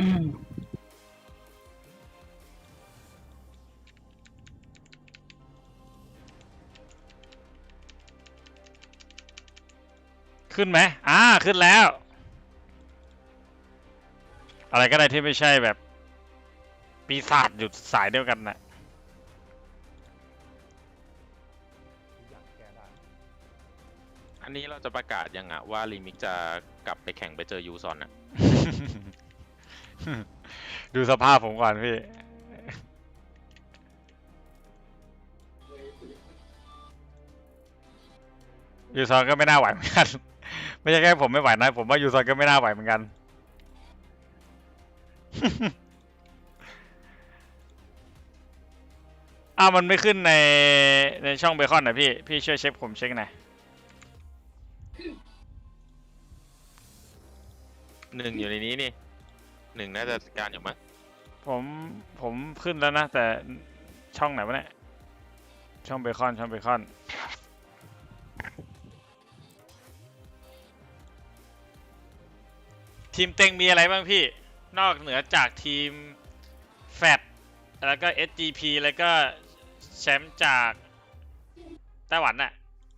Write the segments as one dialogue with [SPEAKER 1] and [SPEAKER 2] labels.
[SPEAKER 1] ขึ้นไหมขึ้นแล้ว อะไรก็ได้ที่ไม่ใช่แบบปีศาจหยุดสายเดียวกันนะ
[SPEAKER 2] อันนี้เราจะประกาศยังอะว่ารีมิกจะกลับไปแข่งไปเจอยูซอนอะ
[SPEAKER 1] ดูสภาพผมก่อนพี่ยูซอนก็ไม่น่าไหวเหมือนกันไม่ใช่แค่ผมไม่ไหวนะผมว่ายูซอนก็ไม่น่าไหวเหมือนกันมันไม่ขึ้นในช่องเบคอนนะพี่ช่วยเช็คผมเช็คหน่อย
[SPEAKER 2] 1อยู่ในนี้นี่1น่าจะจัดการอยู่มั้ง
[SPEAKER 1] ผมขึ้นแล้วนะแต่ช่องไหนวะเนี่ยช่องเบคอนทีมเต็งมีอะไรบ้างพี่นอกเหนือจากทีมแฟตแล้วก็ SGP แล้วก็แชมป์จากไต้หวันน่ะ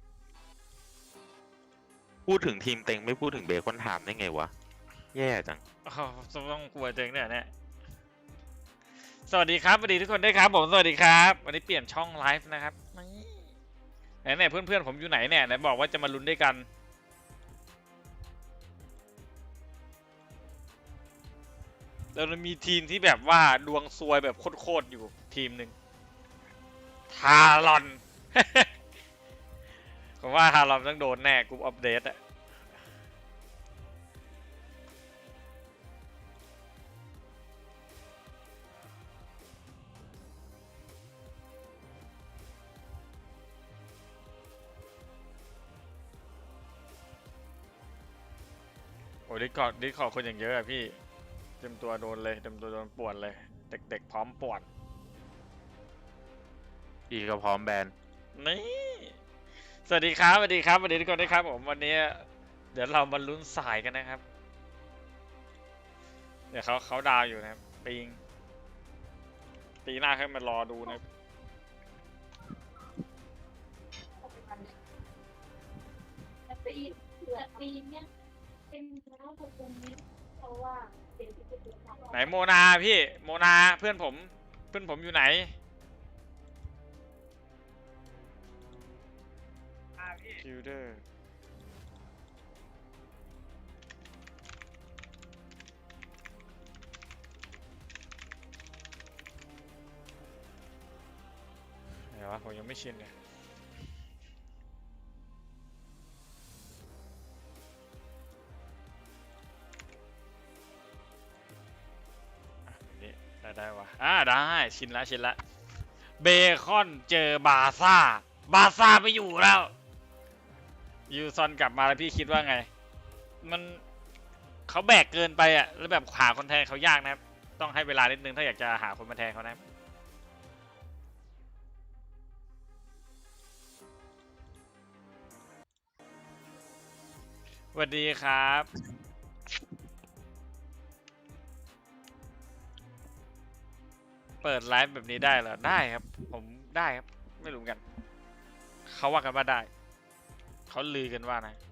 [SPEAKER 2] พูดถึงทีมเต็งไม่พูดถึงเบคอนไทม์ได้ไงวะแย่จัง
[SPEAKER 1] ต้องกลัวเต็งเนี่ยสวัสดีครับสวัสดีทุกคนด้วยครับผมสวัสดีครับวันนี้เปลี่ยนช่องไลฟ์นะครับไหนเพื่อนผมอยู่ไหนเนี่ยไหนบอกว่าจะมาลุ้นด้วยกันเรามีทีมที่แบบว่าดวงซวยแบบโคตรอยู่ทีมหนึ่งทารอน ผมว่าทารอนต้องโดนแน่กรุ๊ปอัปเดตอะโอ้ดิคอร์คนอย่างเยอะอะพี่เต็มตัวโดนเลยเต็มตัวโดนป่วนเลยเด็กพร้อมป่วน
[SPEAKER 2] อีก็พร้อมแบน
[SPEAKER 1] นี่สวัสดีครับสวัสดีครับสวัสดีทุกคนด้วยครับผมวันนี้เดี๋ยวเรามาลุ้นสายกันนะครับเดี๋ยวเขาดาวอยู่นะครับปีหน้าให้มารอดูนะไหนโมนาพี่โมนาเพื่อนผมอยู่ไหนคิวเดอร์ไหนวะผมยังไม่ชินเลยได้วะได้ชินละเบคอนเจอบาซ่าไปอยู่แล้วยูซอนกลับมาแล้วพี่คิดว่าไงมันเขาแบกเกินไปอ่ะแล้วแบบหาคนแทนเขายากนะครับต้องให้เวลานิดนึงถ้าอยากจะหาคนมาแทนเขานะสวัสดีครับเปิดไลฟ์แบบนี้ได้เหรอได้ครับผมได้ครับไม่รู้กันเขาว่ากันว่าได้เขาลือกันว่านะ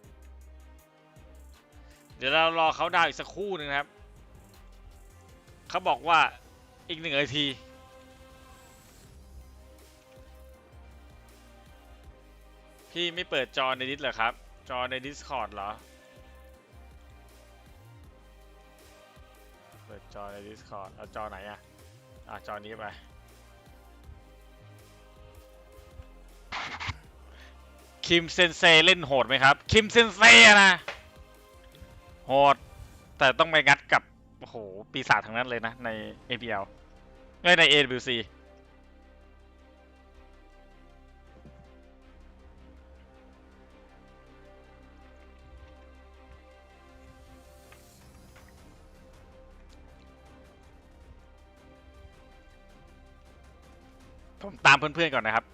[SPEAKER 1] เดี๋ยวเรารอเขาดาวอีกสักครู่หนึ่งครับเขาบอกว่าอีก1 นาทีพี่ไม่เปิดจอในดิสเหรอครับจอใน Discord เหรอเปิดจอใน Discord เอาจอไหนอะจอนี้ไปคิมเซนเซเล่นโหดไหมครับคิมเซนเซนะโหดแต่ต้องไปงัดกับโอ้โหปีศาจทั้งนั้นเลยนะใน APL ไม่ใน AWC ผมตามเพื่อนๆก่อนนะครับ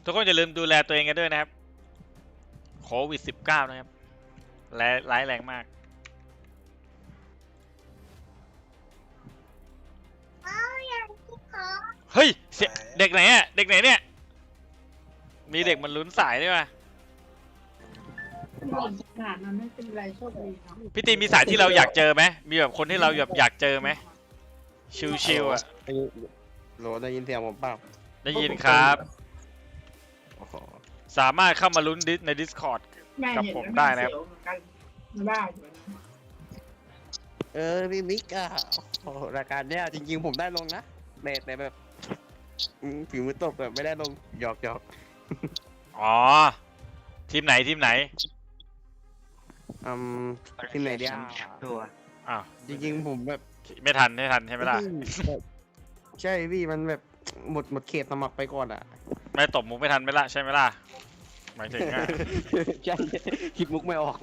[SPEAKER 1] ทุกคนอย่าลืมดูแลตัวเองกันด้วยนะครับโควิด -19 นะครับและร้ายแรงมากเฮ้ยเสียเด็กไหนอ่ะเด็กไหนเนี่ยมีเด็กมันลุ้นสายด้วยป่ะ
[SPEAKER 3] ขนาดนั้นไม่เป็นไรโชคดีครับ
[SPEAKER 1] พี่ตีมีสายที่เราอยากเจอไหมมีแบบคนที่เราแบบอยากเจอไหมชิวๆอ่ะ
[SPEAKER 4] โหลได้ยินเสียงผมเปล่า
[SPEAKER 1] ได้ยินครับ
[SPEAKER 4] โอ้โห
[SPEAKER 1] สามารถเข้ามาลุ้นใน Discord
[SPEAKER 3] แม่
[SPEAKER 1] กับ
[SPEAKER 3] เห็น
[SPEAKER 1] ผม
[SPEAKER 3] แล้ว
[SPEAKER 1] ได้นะครับ
[SPEAKER 3] เสียวเหมือนกันไม่ได้อยู่นะ
[SPEAKER 4] พี่มิกอะโอ้โหรายการเนี้ยจริงๆผมได้ลงนะแต่แบบฝีมือตกแบบไม่ได้ลงหยอก
[SPEAKER 1] อ๋อ ทีมไหนทีมไหน
[SPEAKER 4] อืมที่ไหนเดียว
[SPEAKER 1] อ้าว
[SPEAKER 4] จริงๆผมแบบ
[SPEAKER 1] ไม่ทันใช่ไหมล่ะ
[SPEAKER 4] แบบใช่พี่มันแบบหมดเขตสมัครไปก่อนอ่ะ
[SPEAKER 1] ไม่ตบมุกไม่ทันไหมล่ะใช่ไหมล่ะหมายถึงอ่ะ
[SPEAKER 4] ใช่คิดมุกไม่ออก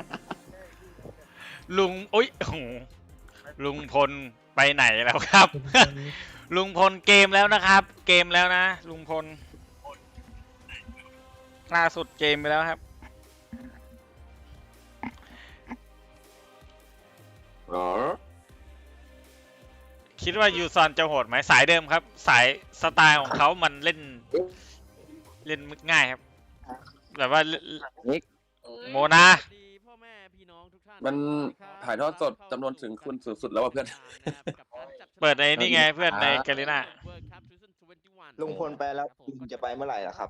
[SPEAKER 1] ลุงอุ้ยโอ้โหลุงพลไปไหนแล้วครับ ลุงพลเกมแล้วนะครับ เกมแล้วนะ ลุงพลล่าสุดเกมไปแล้วครับ คิดว่ายูซอนจะโหดไหมสายเดิมครับ สายสไตล์ของเขามันเล่นง่ายครับแบบว่าโมนา
[SPEAKER 5] มันถ่ายทอดสดจำนวนถึงคุณสูงสุดแล้วว่ะเพื่อน
[SPEAKER 1] เปิดในนี่ไงเพื่อนในแกลิน่า
[SPEAKER 6] ลุงพลไปแล้วลุงจะไปเมื่อไหร่ล่ะครับ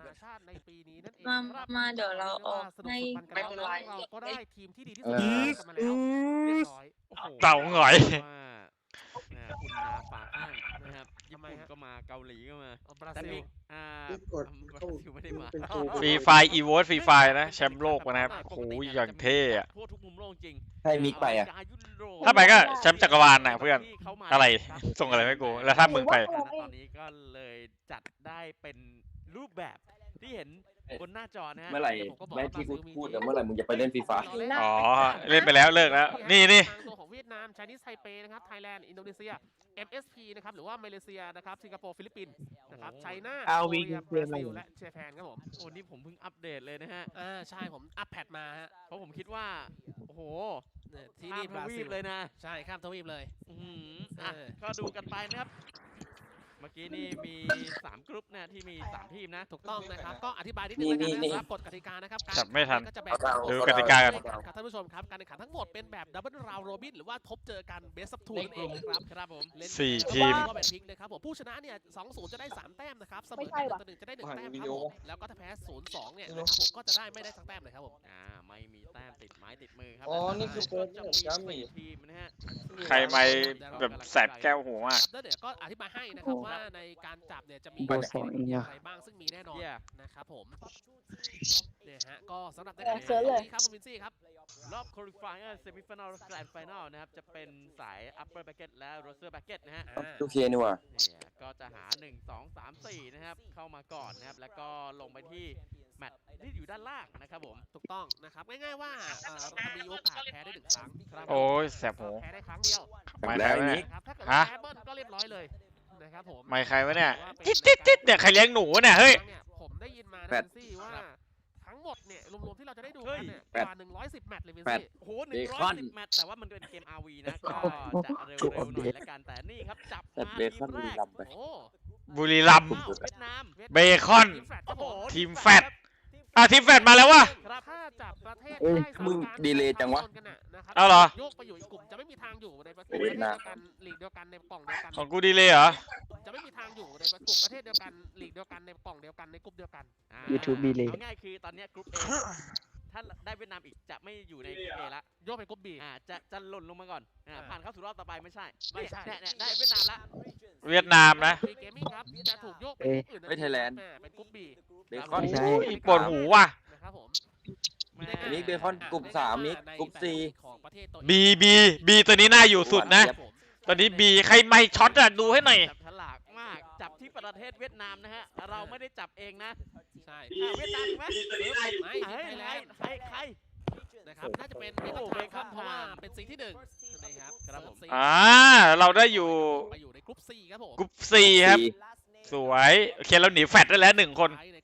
[SPEAKER 7] มาเดี๋ยวเราออกให้
[SPEAKER 3] ไม่เป็นไร
[SPEAKER 8] เราก็ได้ทีมที่ดีที่
[SPEAKER 6] เอ
[SPEAKER 8] สุด
[SPEAKER 6] อ
[SPEAKER 8] มาแล้วเรียบร้อยโอ้โห
[SPEAKER 1] เต่าหงอย
[SPEAKER 8] คุณนาฝาข้างนะครับญี่ปุ่นก็มาเกาหลีก็มาบราซิลบราซิลไม่ได้มา
[SPEAKER 1] ฟรีไฟอีโวฟรีไฟนะแชมป์โลกนะครับโอ้โหอย่างเท่อะ
[SPEAKER 8] ทั่วทุกมุมโลกจริง
[SPEAKER 6] ให้มิกไปอ่ะ
[SPEAKER 1] ถ้าไปก็แชมป์จักรวาลนะเพื่อนอะไรส่งอะไรไม่กูแล้วถ้ามึงไป
[SPEAKER 8] ตอนนี้ก็เลยจัดได้เป็นรูปแบบที่เห็นบนหน้าจอนะฮะ
[SPEAKER 5] เมื่อไหร่
[SPEAKER 8] ผก็บอก
[SPEAKER 5] แม่
[SPEAKER 8] ว่า
[SPEAKER 5] ที่กู
[SPEAKER 8] บราซิลมี
[SPEAKER 5] พูดแต่เมื่อไหร่มึงจะไปเล่นฟีฟ่า
[SPEAKER 1] อ๋อเล่นไปแล้วเลิกแล้วนี่
[SPEAKER 8] ทางตัวของเวียดนาม Chinese Taipei นะครับ ไทยแลนด์ อินโดนีเซีย MSP นะครับ หรือว่ามาเลเซียนะครับ สิงคโปร์ ฟิลิปปินส์นะครับ ไชน่า
[SPEAKER 3] เอา
[SPEAKER 8] โค
[SPEAKER 3] วี
[SPEAKER 8] เรีย
[SPEAKER 3] เก
[SPEAKER 8] บ
[SPEAKER 3] ม
[SPEAKER 8] รา
[SPEAKER 3] อะไร
[SPEAKER 8] ซิ
[SPEAKER 3] อ
[SPEAKER 8] ล
[SPEAKER 3] ยู่
[SPEAKER 8] และเจแปนครับผมโอ้นี่ผมเพิ่งอัปเดตเลยนะฮะ
[SPEAKER 9] ใช่ผมอัปแพดมาฮะ
[SPEAKER 8] เพราะผมคิดว่า โอ้โห
[SPEAKER 9] เนี่ยที่
[SPEAKER 8] ข้า
[SPEAKER 9] นี่
[SPEAKER 8] ม
[SPEAKER 9] บ
[SPEAKER 8] ท
[SPEAKER 9] รา
[SPEAKER 8] วี
[SPEAKER 9] ซิ
[SPEAKER 8] ป
[SPEAKER 9] ล
[SPEAKER 8] เลยนะ
[SPEAKER 9] ใช่ข้ามทวีปเลย
[SPEAKER 8] อื้อหืออ่ะ
[SPEAKER 9] เออ
[SPEAKER 8] ก็ดูกันไปนะครับ เมื่อกี้นี่มี 3 กรุ๊ปนะที่มี 3 ทีมนะ
[SPEAKER 9] ถูกต้องนะครับ ก็อธิบายนิดนึงแล้วกัน
[SPEAKER 5] นี่
[SPEAKER 9] นะครับกฎกติกานะครับ
[SPEAKER 1] จับไม่ทัน
[SPEAKER 9] ก็จะแบ่งเป็น
[SPEAKER 1] ดูกติกากัน
[SPEAKER 9] ครับท่านผู้ชมครับ การแข่งขันทั้งหมดเป็นแบบดับเบิลราวโรบินหรือว่าทบเจอกันเบสซับทูนั่นเองนะครับ
[SPEAKER 8] ครับผม
[SPEAKER 9] เล่น
[SPEAKER 1] สี่
[SPEAKER 9] แล้วก็
[SPEAKER 1] ทีม
[SPEAKER 9] ก็เป็นพลิกนะครับผมผู้ชนะเนี่ย2-0จะได้3แต้มนะครับเสมอกัน1-1จะได้1แต้มครับผมแล้วก็ถ้าแพ้0-2เนี่ยนะครับผมก็จะได้ไม่ได้สักแต้มเลยครับผม
[SPEAKER 8] ไม่มีแต้มติดไม้ติดมือครั
[SPEAKER 6] อ๋อนี่คือ
[SPEAKER 8] ก็จะ
[SPEAKER 6] โปรแกรม
[SPEAKER 8] มี
[SPEAKER 6] นี่
[SPEAKER 8] 4ทีมนะฮะ
[SPEAKER 1] ใครไม่แบบแสบแก้วหูมาก
[SPEAKER 9] ครับแล้วเดี๋ยวก็อธิบายให้นะครับว่าในการจับเนี่ยจะมี
[SPEAKER 6] ไปไหน
[SPEAKER 9] อะไรบ้างซึ่งมีแน่นอน
[SPEAKER 8] Yeah
[SPEAKER 9] นะครับผมเนี่ยฮะก็สำหรับในการแข่ง
[SPEAKER 7] เสิ
[SPEAKER 9] ขั
[SPEAKER 7] ร์
[SPEAKER 9] น
[SPEAKER 7] ชเลย
[SPEAKER 9] นี้ครับคุณวินซี่ครับ
[SPEAKER 8] รอบ qualifier semi final grand final นะครับ จะเป็นสาย upper bracket และ lower bracket นะฮะ
[SPEAKER 5] โอเคนี่ว่ะ
[SPEAKER 8] เนี่ยก็จะหา 1 2 3 4 นะครับ เข้ามาก่อนนะครับ แล้วก็ลงไปที่แมตช์ที่อยู่ด้านล่างนะครับผม
[SPEAKER 9] ถูกต้องนะครับง่ายๆว่ามีโอกาสแพ้ได้1ครั้งครับ
[SPEAKER 1] โอ้ยแสบหู
[SPEAKER 9] แพ้ได้ครั้งเดียว
[SPEAKER 1] ไม่
[SPEAKER 5] แล้
[SPEAKER 1] ใคร
[SPEAKER 5] ว
[SPEAKER 1] วะ
[SPEAKER 5] อัน
[SPEAKER 1] เนี่
[SPEAKER 5] นี้
[SPEAKER 1] ย
[SPEAKER 9] นะครับถ้าเกิด
[SPEAKER 1] ฮะ
[SPEAKER 9] แพ้เบิ้ลก็เรียบร้อยเลยนะครับผม
[SPEAKER 1] ไม่ใครวะเนี่ยจิ๊ดเนี่ยใครเลี้ยงหนูเนี่ยเฮ้ย
[SPEAKER 9] ผมได้ยินมานะ
[SPEAKER 5] แปด
[SPEAKER 9] วินซี่ว่าทั้งหมดเนี่ยรวมๆที่เราจะได้ดู
[SPEAKER 8] เฮ้
[SPEAKER 9] กั
[SPEAKER 8] ย
[SPEAKER 9] นเนี่ย
[SPEAKER 5] แป
[SPEAKER 9] ก
[SPEAKER 5] ด
[SPEAKER 9] ว่า110แมตช์เลยวิน
[SPEAKER 5] แปด
[SPEAKER 9] ซี่
[SPEAKER 8] โอ้โห
[SPEAKER 5] เบคอน
[SPEAKER 8] 110 แมตช์แต่ว่ามันเป็นเกม RV นะ ก็จะเร็วๆหน่อยละกัน แต่นี่ครับ จับ
[SPEAKER 5] แต่
[SPEAKER 8] มา
[SPEAKER 5] เบคอน
[SPEAKER 8] ทีมแรก
[SPEAKER 5] บุรีรัมย์ไป
[SPEAKER 9] โอ้
[SPEAKER 1] บุรีรัมย์
[SPEAKER 8] อ้าวเวียดนาม
[SPEAKER 1] เบคอน
[SPEAKER 9] ทีมแฟลตครับผม
[SPEAKER 1] ทีมแฟต ทีมแฟตมาแล้ววะ
[SPEAKER 9] ครับถ้าจับประเทศ
[SPEAKER 6] เอ้ย
[SPEAKER 9] ได้
[SPEAKER 5] มึง
[SPEAKER 9] 3การ
[SPEAKER 5] ดีเลย์จังวะ
[SPEAKER 9] ชนกันน่นะครับ
[SPEAKER 1] เอาเหรอ
[SPEAKER 9] โยกไปอยู่อีกกลุ่มจะไม่มีทางอยู่ในประเทศ
[SPEAKER 5] เวียดนาม
[SPEAKER 9] เดียวกันลีกเดียวกันในกล่องเดียวกัน
[SPEAKER 1] ของกูดีเลยเหรอ
[SPEAKER 9] จะไม่มีทางอยู่ในกลุ่มประเทศเดียวกันลีกเดียวกันในกล่องเดียวกันในกลุ่มเดียวกัน
[SPEAKER 6] YouTube delay
[SPEAKER 8] เอาง่ายคือตอนเนี้ยกรุ๊ป A ถ้าได้เวียดนามอีกจะไม่อยู่ในกรุ๊ป A ละ
[SPEAKER 9] โยกไปกลุ่มบี
[SPEAKER 8] จะหล่นลงมาก่อนผ่านเข้าสู่รอบต่อไปไม่ใช่
[SPEAKER 9] ไม่ใช่
[SPEAKER 8] เนี่ยได้เวียดนามละ
[SPEAKER 1] เวียดนามนะ
[SPEAKER 9] บีเกมมิ่งครับจะถูกโยกไปกลุ่มอื่น
[SPEAKER 5] เอ้ย Thailand
[SPEAKER 9] เป็นกลุ่มบี
[SPEAKER 5] เบคอน
[SPEAKER 6] ใช่
[SPEAKER 1] อุ้ยปวดหูว่ะ
[SPEAKER 9] นะครับผม
[SPEAKER 5] อันนี้เบคอนกลุ่มสามมิกกลุ่มสี่
[SPEAKER 9] ของประเทศตัว
[SPEAKER 1] บีตัวนี้น่าอยู่สุดนะ ตอนนี้บีใครไม่ช็อตอะดูให้หน่อย
[SPEAKER 8] จับฉลากมากจับที่ประเทศเวียดนามนะฮะเราไม่ได้จับเองนะ
[SPEAKER 9] ใช่
[SPEAKER 8] เวียดนามไหม
[SPEAKER 9] ไม่
[SPEAKER 8] เฮ้ย
[SPEAKER 9] ไทยแลนด์
[SPEAKER 8] ใคร
[SPEAKER 9] นะครับน่าจะเป็นเบคอนไทม์ครับเพราะว่าเป็นซีที่หนึ่งนะครับ
[SPEAKER 8] ครับผม
[SPEAKER 1] เราได้อยู่
[SPEAKER 9] ไปอยู่ในกลุ่ม C ครับผม
[SPEAKER 1] กรุ๊ปซีครับ สวยโอเคเราหนีแฟตได้แล้ว1 คน
[SPEAKER 9] ใน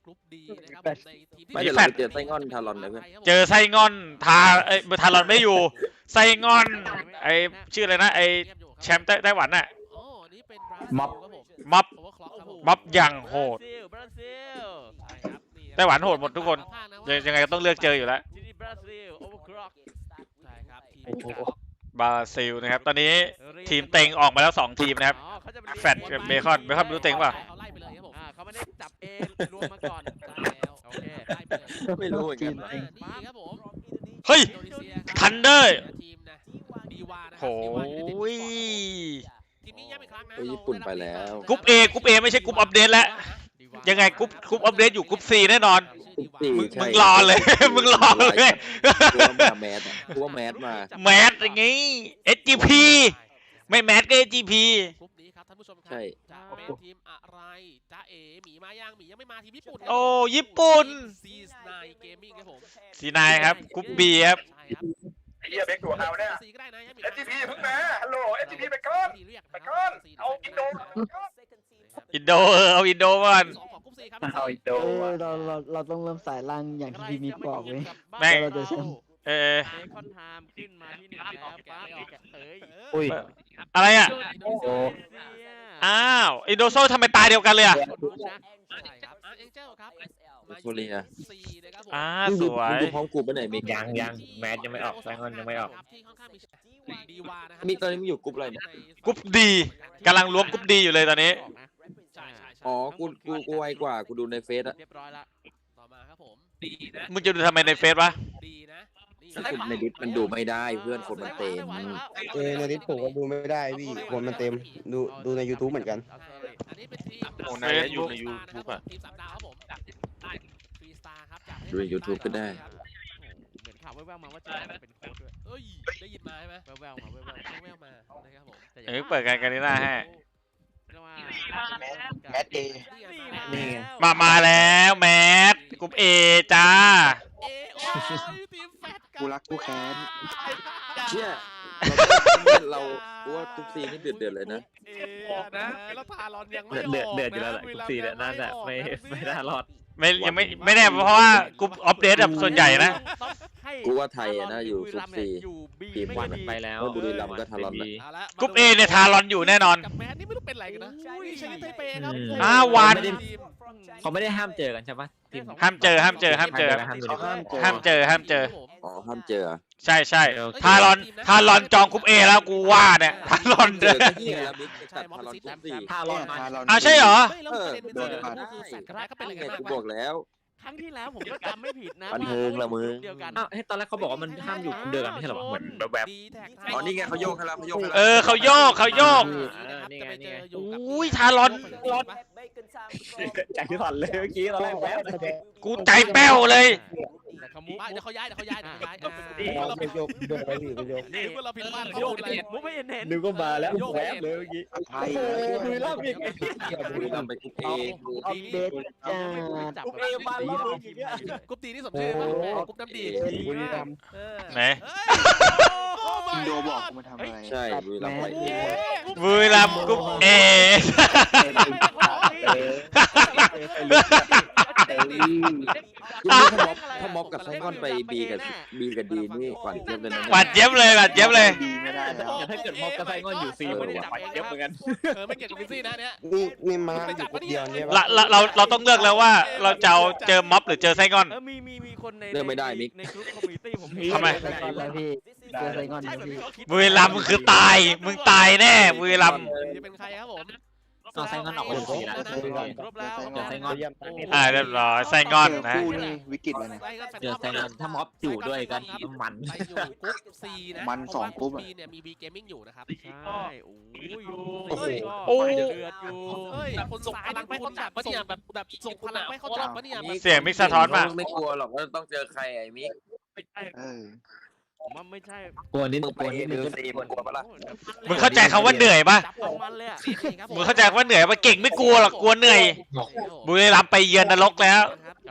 [SPEAKER 9] กรุ๊ปดีนะครับในทีมที่
[SPEAKER 5] ไม่เดี๋ยวเราไปเจอไส้งอนทารอนเลยเพื่อน
[SPEAKER 1] เจอไส้งอนทารอนไม่อยู่ไส้งอนไอชื่ออะไรนะไอแชมป์ไต้หวันน่ะ
[SPEAKER 9] อ๋อนี่เป็น
[SPEAKER 6] ม็อบ
[SPEAKER 1] ม็อบ
[SPEAKER 9] Overclock ครับผม
[SPEAKER 1] ม็อบอย่างโหด
[SPEAKER 8] บราซิล
[SPEAKER 9] ใช่ครับนี่ครับ
[SPEAKER 1] ไต้หวันโหดหมดทุกคนยังไงก็ต้องเลือกเจออยู่แล้ว
[SPEAKER 8] ที่นี่บราซิลโอเวอร์คล็อก
[SPEAKER 9] ใช่ครับทีม Overclock
[SPEAKER 1] บราซิลนะครับตอนนี้ทีมเต็งออกมาแล้ว2ทีมนะครับ
[SPEAKER 8] อ๋อเขาจะเป็น
[SPEAKER 1] แฟดกับเบคอนไม่รู้เต็งเปล่า
[SPEAKER 9] เขาไล่ไปเลยครับผม
[SPEAKER 8] เขาไม่ได้จับเองรวมมาก่อน
[SPEAKER 9] ได้แล้ว
[SPEAKER 8] โอเค
[SPEAKER 9] ไล่ไปเลย
[SPEAKER 5] ไม่รู้เหมือนกัน
[SPEAKER 9] มานี่ครับผม
[SPEAKER 1] เฮ้ย
[SPEAKER 9] อินโดนีเซียครับ
[SPEAKER 1] ทันเดอร์
[SPEAKER 9] ทีมนะดีวานะค
[SPEAKER 1] โห
[SPEAKER 9] รับดีวาอยู่ในทีม
[SPEAKER 1] ย
[SPEAKER 9] นี้ย้ำอีกครั้งนะ
[SPEAKER 5] โอ้ยญี่ปุ่นไปแล้ว
[SPEAKER 1] กรุ๊ป A กรุ๊ป A ไม่ใช่กรุ๊ปอัปเดตแล้วยังไงกรุ๊ปอัปเดตอยู่กรุ๊ป C แน่นอน มึงรอเลย มึงรอเลย
[SPEAKER 5] กลัวมาแมสอะกลัวแมสมา
[SPEAKER 1] แมสอย่างงี้ SGP ไม่แมสก็ SGP
[SPEAKER 9] กรุ๊ปนี้ครับท่านผู้ชมครั
[SPEAKER 5] ใช่
[SPEAKER 9] จะเป็นทีมอะไรจ้าเอ๋หมีมายังหมียังไม่มาทีมญี่ปุ่นครับ
[SPEAKER 1] โอ้ญี่ปุ่น
[SPEAKER 9] ซีสไนเกมมิ่งครับผม
[SPEAKER 1] สีนายครับกรุ๊ป B ครับ
[SPEAKER 9] ใช่ครับ
[SPEAKER 7] ไอ้เหี้ยเบคตัวเอาเนี่ย
[SPEAKER 9] ซีก็ได้นะยังมี
[SPEAKER 7] SGP เพิ่งมาฮัลโหล SGP ไปก่อน ไปก่อน เอาอินโดไปก่อน
[SPEAKER 1] อินโดเอาอินโดก่อน
[SPEAKER 9] สองของกรุ๊ปซีครับ
[SPEAKER 7] เอาอินโด
[SPEAKER 10] เราต้องเริ่มสายล่างอย่างที่พี่มิกบอกเว้ย
[SPEAKER 1] แม่ง
[SPEAKER 10] เราจะแชมป์
[SPEAKER 1] เออ
[SPEAKER 8] เบคอนไทม์ขึ้นมาที่หนึ่งแล้วปั๊บเอ้ย
[SPEAKER 10] อุ้ย
[SPEAKER 1] อะไรอ่ะ
[SPEAKER 9] โอ้
[SPEAKER 1] อ้าวอินโดโซทำไมตาเดียวกันเลยอ่ะ
[SPEAKER 9] ใช่ครับเอ็งเจลครับมา
[SPEAKER 5] โคเรีย
[SPEAKER 9] ซีนะครับผม
[SPEAKER 1] สวย
[SPEAKER 5] ดูพร้อมกูไปไหนมิก
[SPEAKER 4] ยังแมสยังไม่ออกไซงอนยังไม่ออก
[SPEAKER 9] ที่ค่อนข้างมีดีวานะครับ
[SPEAKER 5] มิกตอนนี้มึงอยู่กรุ๊ปอะไรเนี่ย
[SPEAKER 1] กรุ๊ป D กำลังรวมกรุ๊ป D อยู่เลยตอนนี้
[SPEAKER 9] ใช่ใช่
[SPEAKER 5] อ๋อกูไวกว่ากูดูในเฟซอะ
[SPEAKER 8] เรียบร้อยละ
[SPEAKER 9] ต่อมาครับผม
[SPEAKER 1] มึงจะดูทำไมในเฟซวะ
[SPEAKER 9] ดีนะนี่
[SPEAKER 5] กูในดิสมันดูไม่ได้เพื่อนคนมันเต็ม
[SPEAKER 6] ในดิสผมก็ดูไม่ได้พี่คนมันเต็มดูใน YouTube เหมือนกัน
[SPEAKER 9] อันนี้เป็นทีม
[SPEAKER 2] โอ้นายอยู่ใน YouTube อะ
[SPEAKER 9] ทีม3 ดาวครับผมฟรีสตาร์ครับจาก
[SPEAKER 5] ดูใน YouTube ก็ได้
[SPEAKER 8] เหมือนข่าวแว่วๆมาว่าจะเป็นโค้ดด้วย
[SPEAKER 9] เอ้ยได้ยินมาใช่ไหม
[SPEAKER 8] แว่วๆมาแว่ว
[SPEAKER 9] แววๆมานะครับผม
[SPEAKER 8] ๆแต่
[SPEAKER 1] เอ้ยเปิดกันหน้าให้
[SPEAKER 8] เรียกว่า
[SPEAKER 6] แมสเอ
[SPEAKER 10] นี่ไง
[SPEAKER 1] มาแล้วแมสกรุ๊ป A จ้า
[SPEAKER 9] เอโอ้ยทีมแฟต
[SPEAKER 6] กูรักกูแค้น
[SPEAKER 5] เนี่ยเรากูว่าทุกซีนนี่เดือดเลยนะ
[SPEAKER 9] เอนะแล้วทารอนยังไม่ออก
[SPEAKER 4] เดือดอยู่แล้วแหละกรุ๊ป C เนี่ยน่าจะไม่น่ารอด
[SPEAKER 1] ยังไม่แน่เพราะว่ากรุ๊ปอัปเดตแบบส่วนใหญ่นะ
[SPEAKER 5] กูว่าไทยอะนะอยู่กรุ๊ป C ทีม
[SPEAKER 4] วันไปแล้ว
[SPEAKER 5] บุรีรัมย์ก็ทารอนนะ
[SPEAKER 9] เอาละ
[SPEAKER 1] กรุ๊ป A เนี่ยทารอนอยู่แน่นอน
[SPEAKER 9] กับแมนนี่ไม่รู้เป็นไรกันนะอุ้ยชนะไทเปครับ
[SPEAKER 1] วัน
[SPEAKER 4] เขาไม่ได้ห้ามเจอกันใช่ปะทีม
[SPEAKER 1] ห้ามเจอ
[SPEAKER 6] เขาห้ามเจอ
[SPEAKER 1] ห้ามเจอ ห้ามเจอ
[SPEAKER 5] อ๋อห้ามเจอ
[SPEAKER 1] ใช่ทารอนจองกรุ๊ป A แล้วกูว่าเนี่ยทารอน
[SPEAKER 5] เจ
[SPEAKER 1] เด้
[SPEAKER 5] อ
[SPEAKER 1] อ
[SPEAKER 5] ก็ที่แล้วมิกจะตัดทารอนกรุ๊ป4
[SPEAKER 4] ถ้ารอดมา
[SPEAKER 1] อ้าวใช่เหรอ
[SPEAKER 9] ไม่แล้วประเด็นเป็นเจอก็คือแฟตกับแมนก็เป็นอะไรกัน
[SPEAKER 5] ไง
[SPEAKER 9] มาก
[SPEAKER 5] กู
[SPEAKER 9] วะ
[SPEAKER 5] บอกแล้ว
[SPEAKER 8] ครั้งที่แล้วผมก็จำไม่ผิดนะ
[SPEAKER 5] บันเทิงละมึง
[SPEAKER 8] เดียวกัน
[SPEAKER 4] อ้าวตอนแรกเขาบอกว่ามันห้ามอยู่เดือนกันไม่ใช่เหรอวะเหมือนแบบ
[SPEAKER 9] ดีแท็ก
[SPEAKER 5] อ๋อนี่ไงเขาโยกให้แล้วเขาโยกให้แล้ว
[SPEAKER 1] เออเขาโยก
[SPEAKER 4] นี่ไงนี่ไง
[SPEAKER 1] อุ้ยทารอน
[SPEAKER 4] ใจสั่นเลยเมื่อกี้ตอนแรกแวบ
[SPEAKER 1] กูใจแป้วเลย
[SPEAKER 9] แต่เขามุกเดี๋ยวเขาย้ายเรา
[SPEAKER 6] ไปโยกโดนไปพี่ไปโยก
[SPEAKER 9] นี่เมื่อเราผิดพลาด
[SPEAKER 8] โยกเห็นมุกไม่เห็น
[SPEAKER 4] นึกว่ามาแล้วแวบเลยเมื่อกี้
[SPEAKER 6] ไทย
[SPEAKER 4] บุรีรัมย์อีก
[SPEAKER 5] บุรีรัมย์ไปกรุ๊ป A
[SPEAKER 10] อัปเดตจ้า
[SPEAKER 8] จับ
[SPEAKER 4] เอมาแล้ว
[SPEAKER 9] กรุ๊ปดีนี่สมชื่อป่ะกรุ๊ปน้ำดี
[SPEAKER 6] บุรีรัมย์
[SPEAKER 1] ไหน
[SPEAKER 6] อินโดบอกกูมาทำอะไร
[SPEAKER 5] ใช่บุรีรัมย์ไป A
[SPEAKER 1] บุรีรัมย์กรุ๊ป A
[SPEAKER 5] ถ้าม็อบกับไซงอนไป B กับ D นี่หวานเจี๊ยบเลยนะ
[SPEAKER 1] หวานเจี๊ยบเลย
[SPEAKER 6] ดีไม่ได้แล้ว
[SPEAKER 4] แต่ถ้าเกิดมอบกระไซงอนอยู่ซีมันจะไปเยอะเหมือนกัน
[SPEAKER 9] ไม่เกี่ยวกับวินซี่นะเนี่ย
[SPEAKER 6] นี่มาอยู่คนเดียวเนี่ย
[SPEAKER 1] เราต้องเลือกแล้วว่าเราจะเอาเจอม็อบหรือเจอไส้งอน
[SPEAKER 8] มีคนใน
[SPEAKER 5] เลือกไม่ได้มิก
[SPEAKER 8] ในกลุ่มคอมมูนิตี้ผม
[SPEAKER 1] ทำไม
[SPEAKER 10] ไซงอนแล้วพี่เจอไซงอนแล้วพี่
[SPEAKER 1] บุรีรัมย์คือตาย มึงตายแน่บุรีรัมย์
[SPEAKER 9] จะเป็นใครครับผม
[SPEAKER 4] เอาไซงอนออกมาจากซีแล้ว
[SPEAKER 8] ครบแล้ว
[SPEAKER 4] เจอไซงอน
[SPEAKER 1] เรียบร้อยไส้งอนนะ
[SPEAKER 6] คู่นี่วิกฤตเลยนะ
[SPEAKER 4] เจอไซงอนถ้าม็อบอยู่ด้วยกันมัน
[SPEAKER 9] ไปอยู่กรุ๊ป C นะ
[SPEAKER 6] มันสองกรุ๊ปอะ
[SPEAKER 9] B เนี่ยมี B Gaming อยู่นะครับ
[SPEAKER 8] ใช่โอ้ย
[SPEAKER 1] โอ้
[SPEAKER 8] เดือดอยู่
[SPEAKER 9] เฮ้ยคนส่งพลังไปคนจับปะเนี่ยแบบส่งพลังไปเขาจับปะเนี่ย
[SPEAKER 1] เสียงมิกซ์สะท้อนมา
[SPEAKER 5] ไม่กลัวหรอกว่าต้องเจอใครไอ้มิก
[SPEAKER 6] เออ
[SPEAKER 8] ผมว่าไม่ใช่
[SPEAKER 4] กลัวนิด
[SPEAKER 5] มึง
[SPEAKER 4] ก
[SPEAKER 5] ไป
[SPEAKER 4] ลัว
[SPEAKER 5] A
[SPEAKER 4] นิด
[SPEAKER 5] ห
[SPEAKER 4] นึ
[SPEAKER 5] รื
[SPEAKER 4] ง
[SPEAKER 5] อ C มึงกลัวปะล่ะ
[SPEAKER 1] มึงเข้าใจคำว่าเหนื่อยปะ
[SPEAKER 8] จับของมันเลยอ่ะ
[SPEAKER 1] มึงเข้าใจว่าเหนื่อยปะเก่งไม่กลัวหรอกกลัวเหนื่อย บุรีรัมย์ไปเยือนนรกแล้ว
[SPEAKER 8] ก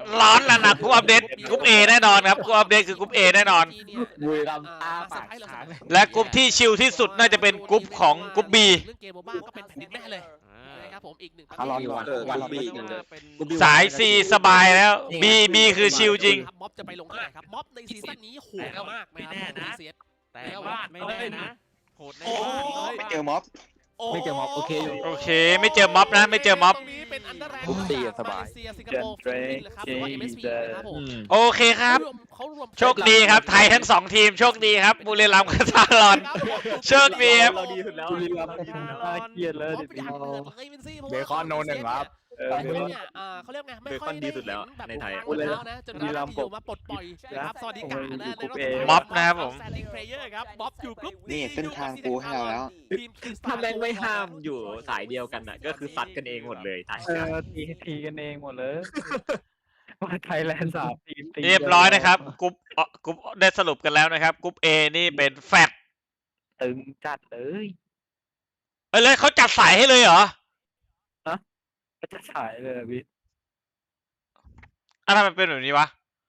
[SPEAKER 1] ร้อนแล้วนะกรุ๊ปอัปเดตกรุ๊ป A แน่นอนครับกรุ๊ปอัปเดตคือกรุ๊ป A แน่นอน
[SPEAKER 10] บุรีรัมย์อ้าปาก
[SPEAKER 1] และกรุ๊ปที่ชิลที่สุดน่าจะเป็นกรุ๊ปของกรุ๊ป B
[SPEAKER 9] เรื่องเกมโมบ้าก็เป็นแผ่นดินแม่เลยนะครับผมอีกหนึ่งประเทศ
[SPEAKER 4] อารอนวัน
[SPEAKER 5] วัน
[SPEAKER 4] วัน
[SPEAKER 5] บี
[SPEAKER 1] สาย C สบายแล้ว B คือชิลจริง
[SPEAKER 9] ม็อบจะไปลงที่ไหนครับม็อบในซีซั่นนี้โหดมากไม่แน่นะ
[SPEAKER 8] แต่ว่าไม่แน่นะโหดใน
[SPEAKER 6] ไม่เจอม็อบ
[SPEAKER 10] ไม่เจอม็อบโอเคอยู่
[SPEAKER 1] โอเค ไม่เจอม็อบนะ ไม่เจอม็อบ
[SPEAKER 9] ตรงนี้เป็นอันเดอร์แรนด์
[SPEAKER 5] กรุ๊ป C อะสบาย
[SPEAKER 9] มาเลเซียสิงคโปร์ฟิลิปปินส์นะครับหรือว่า MSP นะครับผม
[SPEAKER 1] โอเคครับ
[SPEAKER 9] เขารวม
[SPEAKER 1] โชคดีครับ ไทยทั้งสองทีมโชคดีครับบุรีรัมย์กับทารอน โชคดีครับ
[SPEAKER 10] เราดีสุดแล้วบุรีรัมย์น่าเกลียดเลย
[SPEAKER 9] ม็อบอยากเปิดเลยเป็นซี่เพราะว่า
[SPEAKER 6] เบคอนโนหนึ่งครับ
[SPEAKER 9] เนี่ยเขาเรียกไงไม่ค่อยได้เห็นแบบในไทยแล้วนะจนกระทั่งอยู่มาปลดปล่อยนะครับสวัสดิการนะในรอบสุดท้าย
[SPEAKER 1] ม็อบนะครับผม
[SPEAKER 9] Standing Player ครับม็อบอยู่กรุ๊ป
[SPEAKER 6] นี่เส้นทางกูให้เราแล้ว
[SPEAKER 10] ถ้าแม่งไม่ห้ามอยู่สายเดียวกันน่ะก็คือซัดกันเองหมดเลยไทย
[SPEAKER 4] ทีกันเองหมดเลยว่าไทยแลนด์3 ทีม
[SPEAKER 1] เรียบร้อยนะครับกรุ๊ปได้สรุปกันแล้วนะครับกรุ๊ป A นี่เป็นแฟต
[SPEAKER 4] ตึงจัดเลย
[SPEAKER 1] เลยเขาจัดสายให้เลยเหรอ
[SPEAKER 4] ก็จะฉายเลยพี่
[SPEAKER 1] ทำไมมันเป็นแบบนี้วะ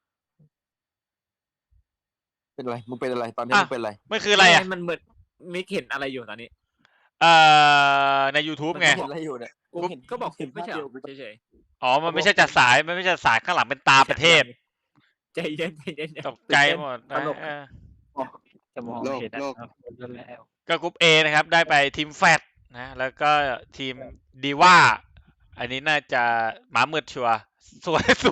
[SPEAKER 5] เป็นอะไรมึงเป็นอะไรตอนนี้มึงเป็นอะไร
[SPEAKER 1] มันคืออะไรอ่ะ
[SPEAKER 10] มันเหมือนมิกเห็นอะไรอยู่ตอนนี้
[SPEAKER 1] ใน YouTube ไง
[SPEAKER 5] เห็นอะไรอยู่เนี่ย
[SPEAKER 10] กูเห็นก็บอกเห็นไม่ใช่เหรอเฉย
[SPEAKER 1] อ๋อ มันไม่ใช่จัดสาย มันไม่ใช่จัดสายข้างหลังเป็นตาประเทศ
[SPEAKER 10] ๆใจเย็นใจเย็น
[SPEAKER 1] ตกใจหมดนะ
[SPEAKER 10] ตลก
[SPEAKER 4] จะมอง
[SPEAKER 6] โลก
[SPEAKER 4] เห็น
[SPEAKER 6] โลก
[SPEAKER 4] แล้ว
[SPEAKER 1] ก็กรุ๊ป A นะครับ ได้ไปทีมแฟตนะ แล้วก็ทีมดีว่า อันนี้น่าจะหมามืดชัวร์ส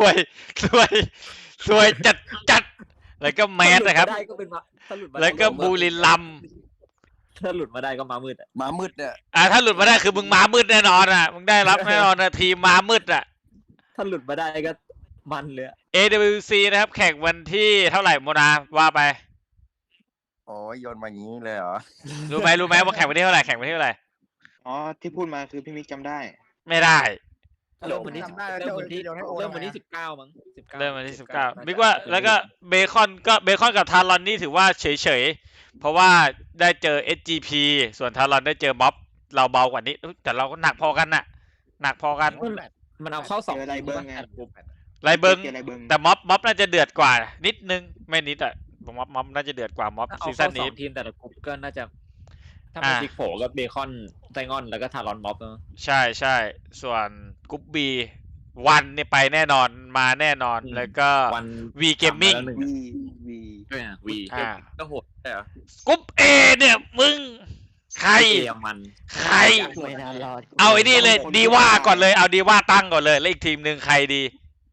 [SPEAKER 1] วยจัด แล้วก็แมสนะครับ
[SPEAKER 10] ได้ก็เป็นถ้าหลุดมา
[SPEAKER 1] แล้วก็บุรีรัมย์
[SPEAKER 10] ถ้าหลุดมาได้ก็มามืดอ่ะ
[SPEAKER 5] หมามืดเนี่ย
[SPEAKER 1] ถ้าหลุดมาได้คือมึงม้ามืดแน่นอนอ่ะ มึงได้รับแน่นอนนะทีมม้ามืดอ่ะ
[SPEAKER 10] ถ้าหลุดมาได้ก็มันเลย
[SPEAKER 1] AWC นะครับ แข่งวันที่เท่าไหร่โมนาว่าไป
[SPEAKER 5] โอ้ยโยนมาอย่างนี้เลยเหรอ
[SPEAKER 1] รู้ไหมว่าแข่งวันที่เท่าไหร่แข่งวันที่เท่าไหร่
[SPEAKER 6] อ๋อที่พูดมาคือพี่มิกจำได้
[SPEAKER 1] ไม่ได้
[SPEAKER 10] เริ่มวันที่เริ่มวันที่19มั้ง19
[SPEAKER 1] เริ่มวันที่19มิกว่าแล้วก็เบคอนกับทารอนนี่ถือว่าเฉยเพราะว่าได้เจอ SGP ส่วนทารอนได้เจอม็อบเราเบากว่านี้แต่เราก็หนักพอกันน่ะหนักพอกัน
[SPEAKER 10] มันเอาเข้า2
[SPEAKER 6] เจออะไรเบิ้งไง
[SPEAKER 1] ไรเบิง
[SPEAKER 6] เจออะไรเบิ้ง
[SPEAKER 1] แต่ม็อบน่าจะเดือดกว่านิดนึงไม่นิดอ่ะม็อบน่าจะเดือดกว่าม็อบ
[SPEAKER 10] เอา
[SPEAKER 1] ซีซั่
[SPEAKER 10] เข้าน
[SPEAKER 1] นี้
[SPEAKER 10] 2 ทีมแต่ละกลุ่มก็น่าจะถ้าเป็นซิกโผก็เบคอนไซงอนแล้วก็ทารอนม็อบเนอะ
[SPEAKER 1] ใช่ส่วนกรุ๊ป B วันเนี่ยไปแน่นอนมาแน่นอนแล้วก็
[SPEAKER 10] วัน
[SPEAKER 1] V Gaming
[SPEAKER 6] วี
[SPEAKER 10] ด้วยวี
[SPEAKER 2] ก็โหดใช่เหรอก
[SPEAKER 1] รุ๊ป A เนี่ยมึงใคร
[SPEAKER 10] เอมัน
[SPEAKER 1] ใคร
[SPEAKER 10] ไม่นานรอด
[SPEAKER 1] เอาไอ้นี่เลยดีว่าก่อนเลยเอาดีว่าตั้งก่อนเลยแล้วอีกทีมหนึ่งใครดี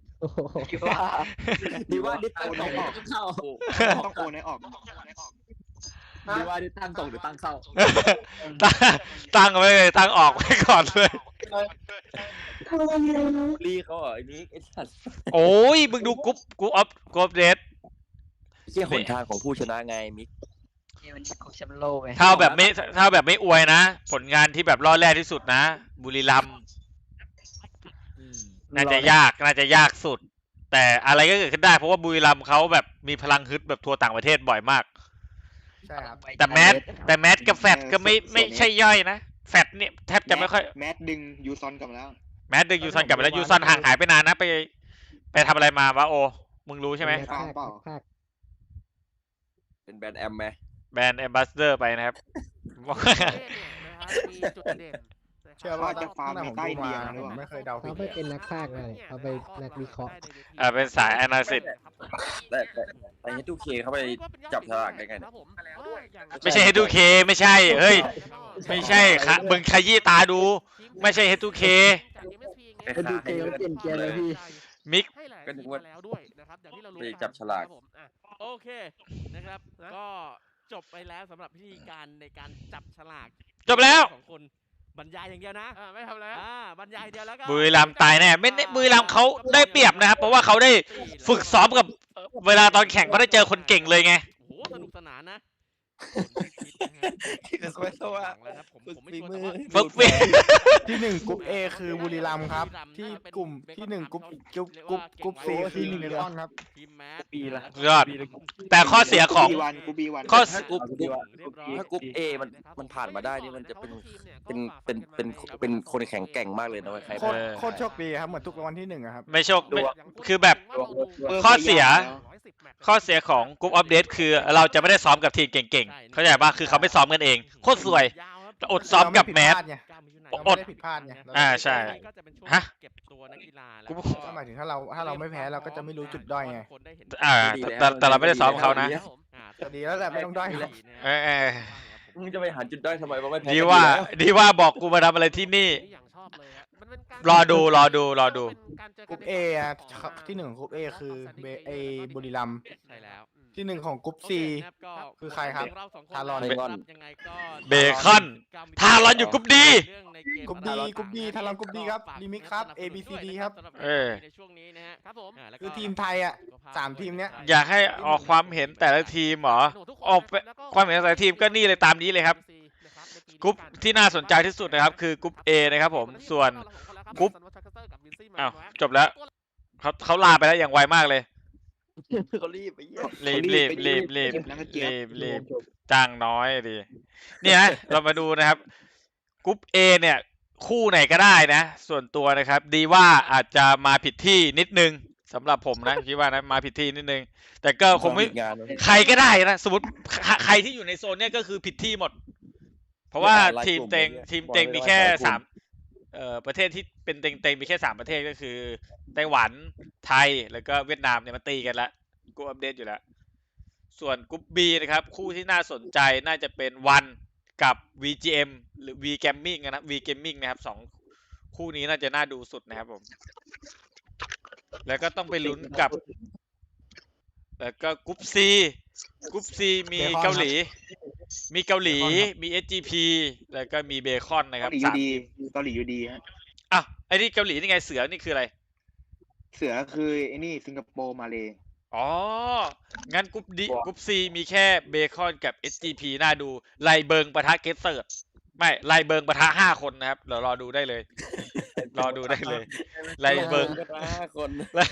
[SPEAKER 10] ดีว่าดิตั้งส่งเข้า
[SPEAKER 6] ต้องโอนให้ออก
[SPEAKER 10] ดีว่าดิตั้งส่งหรือตั้งเข้า
[SPEAKER 1] ตั้งไว้เลยตั้งออกไว้ก่อนเลย
[SPEAKER 10] ลีเขาเหรอไอ้นี้ไอ้สัตว์
[SPEAKER 1] โอ้ยมึงดูกรุ๊ปเดท
[SPEAKER 5] เชี่ยหนทางของผู้ชนะไงมิก
[SPEAKER 10] มันของแชมป์โลกไง
[SPEAKER 1] ถ้าแบบไม่อวยนะ ผลงานที่แบบรอดแรกที่สุดนะบุรีรัมย์น่าจะยากสุด แต่อะไรก็เกิดขึ้นได้เพราะว่าบุรีรัมย์เขาแบบมีพลังฮึดแบบทัวร์ต่างประเทศบ่อยมาก
[SPEAKER 6] ใช่ครับ
[SPEAKER 1] แต่แมสกับแฟตก็ไม่ใช่ย่อยนะแฟตเนี่ยแทบจะไม่ค่อย
[SPEAKER 6] แมทดึงยูซอนกลับมาแล้ว
[SPEAKER 1] แมสดึงยูซันกลับไปแล้วยูซันห่างหายไปนานนะไปทำอะไรมาวะโอมึงรู้ใช่ไหม
[SPEAKER 6] เปล่า
[SPEAKER 5] เป็นแบรนด์แอมไหม
[SPEAKER 1] แบรนด์แอมบาสเดอร์ไปนะครับ
[SPEAKER 9] มีจุดเด่น
[SPEAKER 6] เชื่อว่าจะฟาร์มในใต้เตียงหรือเปล่า
[SPEAKER 10] ไม่เคยเดาผิด
[SPEAKER 9] เขาไปเป็นนักพากย์เลยเขาไปนักวิเคราะห์
[SPEAKER 1] เป็นสาย analysis
[SPEAKER 5] แต่H2Kเข้าไปจับฉลากได้ไงเนี่ย
[SPEAKER 1] ไม่ใช่ H2K ไม่ใช่เฮ้ยไม่ใช่ค่ะมึงขยี้ตาดูไม่ใช่ H2K
[SPEAKER 10] H2K เขาเปลี่ยนเกียร์เลยพี่
[SPEAKER 1] มิก
[SPEAKER 5] ก็นึกว่า
[SPEAKER 9] แล้วด้วยนะครับอย่างที่เรารู้
[SPEAKER 5] ไปจับฉลาก
[SPEAKER 8] โอเคนะครับก็จบไปแล้วสำหรับพิธีการในการจับฉลาก
[SPEAKER 1] จบแล้ว
[SPEAKER 8] ของคนบรรยายอย่างเดียวนะ
[SPEAKER 9] ไม่ทำแล้ว
[SPEAKER 8] บรรยายอย่างเดียวแล้วก็
[SPEAKER 1] บุรีรัมย์ตายแน่ไม่บุรีรัมย์เขาได้เปรียบนะครับเพราะว่าเขาได้ฝึกซ้อมกับเวลาตอนแข่งเขาได้เจอคนเก่งเลยไง
[SPEAKER 8] โอ้โหสนุกสนานนะที่เอสเปรสโซ่อะผมไม่ชัวร์แต่ว่า
[SPEAKER 1] ฝึกฝี
[SPEAKER 6] ที่หนึ่งกรุ๊ปเอคือบุรีรัมย์ครับ ที่กลุ่มที่หนึ่งกรุ๊ปซีคือ1 เบคอนครับ
[SPEAKER 8] ทีมแมส
[SPEAKER 10] ปีละ
[SPEAKER 1] ยอด แต่ข้อเสียของ ข้อ
[SPEAKER 5] ถ้ากรุ๊ปถ้ากรุ๊ปเอมันผ่านมาได้นี่มันจะเป็นคนแข็งแกร่งมากเลยนะใคร
[SPEAKER 6] โคตรโชคดีครับเหมือนทุกรางวัลที่1อะครับ
[SPEAKER 1] ไม่โชคไม่คือแบบ ข้อเสียของกรุ๊ปอัปเดตคือเราจะไม่ได้ซ้อมกับทีมเก่งๆเข้าใจป่ะคือเขาไม่ซ้อมกันเองโคตรสวยอดซ้อมกับแมส
[SPEAKER 6] เราไม่ได้ผิดพลาดไง
[SPEAKER 1] ใช่ ฮะ
[SPEAKER 8] เก็บตัวนักกีฬา
[SPEAKER 1] กู
[SPEAKER 6] ก็หมายถึงถ้าเราไม่แพ้เราก็จะไม่รู้จุดด้อยไง
[SPEAKER 1] แต่เราไม่ได้ซ้อมเขานะ
[SPEAKER 6] แต่ดีแล้วแหละไม่ต้องด้อยหรอก
[SPEAKER 1] เออ
[SPEAKER 5] มึงจะไปหาจุดด้อยทำไมว่าไม่แพ้
[SPEAKER 1] ดีว่าบอกกูมาทำอะไรที่นี่ รอดู
[SPEAKER 6] กรุ๊ปเออะที่1ของกรุ๊ปเอคือบุรีรัมย์
[SPEAKER 8] ใช่แล้ว
[SPEAKER 6] ที่1ของกรุ๊ปซี คือใครครับทารอน
[SPEAKER 1] เบคอนทารอนอยู่กรุ๊ปดี
[SPEAKER 6] กรุ๊ปดีทารอนกรุ๊ปดีครับลิมิกครับ A B C D ครับ
[SPEAKER 8] ในช่วงนี้นะฮะครับผม
[SPEAKER 6] คือทีมไทยอะ3 ทีมเนี้ย
[SPEAKER 1] อยากให้ออกความเห็นแต่ละทีมเหรอออกความเห็นแต่ละทีมก็นี่เลยตามนี้เลยครับกรุ๊ปที่น่าสนใจที่สุดนะครับคือกรุ๊ป A นะครับผมส่วนกรุ๊ปอ้าวจบแล้วเขาลาไปแล้วอย่างไวมากเลย
[SPEAKER 5] เขารีบไปเยี่ยม
[SPEAKER 1] รีบจ้างน้อยดิเนี่ยนะเรามาดูนะครับกรุ๊ป A เนี่ยคู่ไหนก็ได้นะส่วนตัวนะครับดีว่าอาจจะมาผิดที่นิดนึงสำหรับผมนะคิดว่านะมาผิดที่นิดนึงแต่ก็คงไม่ใครก็ได้นะสมมติใครที่อยู่ในโซนเนี้ยก็คือผิดที่หมดเพราะว่าทีมเต็งมีแค่3ประเทศที่เป็นเต็งมีแค่3ประเทศก็คือไต้หวันไทยแล้วก็เวียดนามเนี่ยมาตีกันละกูอัปเดตอยู่แล้วส่วนกรุ๊ป B นะครับคู่ที่น่าสนใจน่าจะเป็นวันกับ VGM หรือ V Gaming นะ V Gaming นะครับ2คู่นี้น่าจะน่าดูสุดนะครับผมแล้วก็ต้องไปลุ้นกับแล้วก็กรุ๊ป C มีเกาหลีมี SGP แล้วก็มีเบคอนนะครับ3ทีม
[SPEAKER 6] เกาหลีอยู่ดีฮะ
[SPEAKER 1] อ่ะไอ้นี่เกาหลีนี่ไงเสือนี่คืออะไร
[SPEAKER 6] เสือคือไอ้นี่สิงคโปร์มาเลย
[SPEAKER 1] อ๋องั้นกรุ๊ป C มีแค่เบคอนกับ SGP น่าดูไลเบิงปะทะเกสเซิร์ดไม่ไลเบิงปะทะ5 คนนะครับเดี๋ยวรอดูได้เลยไลเบิง
[SPEAKER 5] 5 คน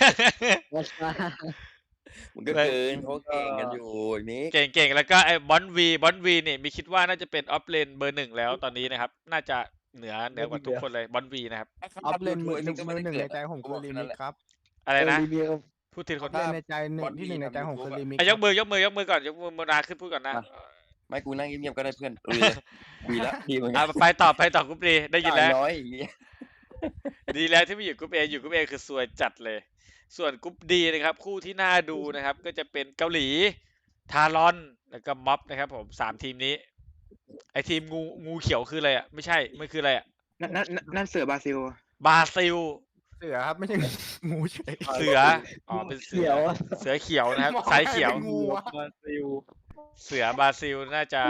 [SPEAKER 5] มันก็เกินเขาเก่งกันอยู่นี้
[SPEAKER 1] เก่งแล้วก็ไอ้บอนวีเนี่ยมีคิดว่าน่าจะเป็นออฟเลนเบอร์ 1แล้วตอนนี้นะครับน่าจะเหนือกว่าทุกคนเลยบอนวีนะครับ
[SPEAKER 6] ออฟเลนมือหนึ่งในใจผมคือลิมิกครับ
[SPEAKER 1] อะไรนะพูดทีคน
[SPEAKER 6] เล่นในใจที่1ในใจผมคือลิมิก
[SPEAKER 1] ยกมืก่อนยกมือนาขึ้นพูดก่อนนะ
[SPEAKER 5] ไม่กูนั่งเงียบๆก็ได้เพื่อนคุยแล้วดีเหมือนกั
[SPEAKER 1] ไปต่อกรุ๊ป D ได้ยินแล้ว
[SPEAKER 5] น้อยอย่างเงี้ย
[SPEAKER 1] ดีแล้วที่ไม่อยู่กรุ๊ป A อยู่กรุ๊ป A คือสวยจัดเลยส่วนกรุ๊ป D นะครับคู่ที่น่าดูนะครับก็จะเป็นเกาหลีทารอนแล้วก็ม็อบนะครับผม3ทีมนี้ไอทีมงูเขียวคืออะไรอ่ะไม่ใช่มันคืออะไรอ่ะ
[SPEAKER 6] นั่นเสือบราซิล
[SPEAKER 1] เสือครับไม่ใช่งูเฉยเสือเป็นเสือเขียวนะครับสายเขียวเสือบราซิลน่าจะ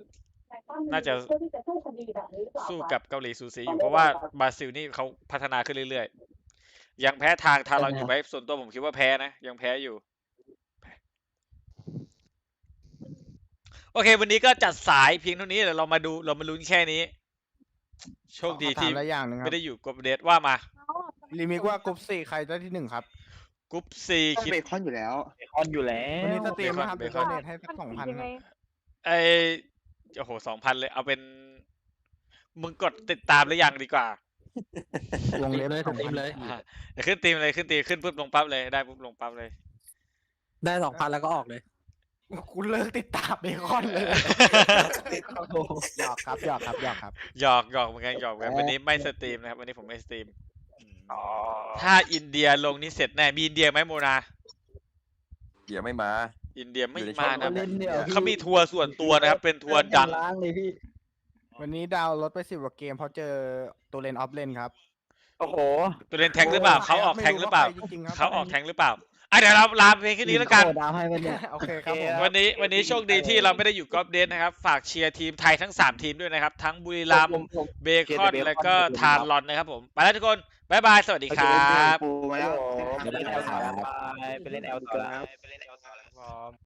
[SPEAKER 1] สู้กับเกาหลีสูสีอยู่เพราะว่าบราซิลนี่เขาพัฒนาขึ้นเรื่อยๆยังแพ้ทางเราอยู่ไหมส่วนตัวผมคิดว่าแพ้นะยังแพ้อยู่โอเควันนี้ก็จัดสายเพียงเท่านี้เดี๋ยวเรามาลุ้นแค่นี้โชคดีที่ไม่ได้อยู่กรุ๊ปเดทว่ามา
[SPEAKER 6] ลิมิกว่ากรุ๊ป4ใครได้ที่1ครับ
[SPEAKER 1] กรุ๊ป C คิด
[SPEAKER 6] เบคอนอยู่แล้ววันนี้สตรีมนะครับเบคอนเน็ตให้สัก 2,000
[SPEAKER 1] โอ้โห 2,000 เลยเอาเป็นมึงกดติดตามหรือยังดีกว่า
[SPEAKER 6] ลงเลยสตรีมเลย
[SPEAKER 1] เดี๋ยวขึ้นทีมเลยขึ้นปุ๊บลงปั๊บเลยได้ปุ๊บลงปั๊บเลย
[SPEAKER 6] ได้ 2,000 แล้วก็ออกเลยกูเลิกติดตามเบคอนเลยหยอกครับหยอก
[SPEAKER 1] เหมือนกันวันนี้ไม่สตรีมนะครับวันนี้ผมไม่สตรีมถ้าอินเดียลงนี่เสร็จแน่มีอินเดียไหมโมนา
[SPEAKER 5] เดี๋ยวไม่มา
[SPEAKER 1] อินเดียไม่มานะเขามีทัวร์ส่วนตัวนะครับเป็นทัวร์ดัง
[SPEAKER 6] วันนี้ดาวลดไป10 กว่าเกมเพราะเจอตัวเลนออฟเลนครับ
[SPEAKER 10] โอ้โห
[SPEAKER 1] ตัวเลนแทงหรือเปล่าเขาออกแทงหรือเปล่าเดี๋ยวเราลาเพลงแค่นี้แล้วกัน
[SPEAKER 6] โอเคครับ
[SPEAKER 1] วันนี้โชคดีที่เราไม่ได้อยู่กอล์ฟเดนนะครับฝากเชียร์ทีมไทยทั้ง3ทีมด้วยนะครับทั้งบุรีรัมย์เบคอนแล้วก็ทารอนนะครับผมไปแล้วทุกคนบ๊ายบายสวัสดีครับ
[SPEAKER 10] ไปเล่นแอลต่อ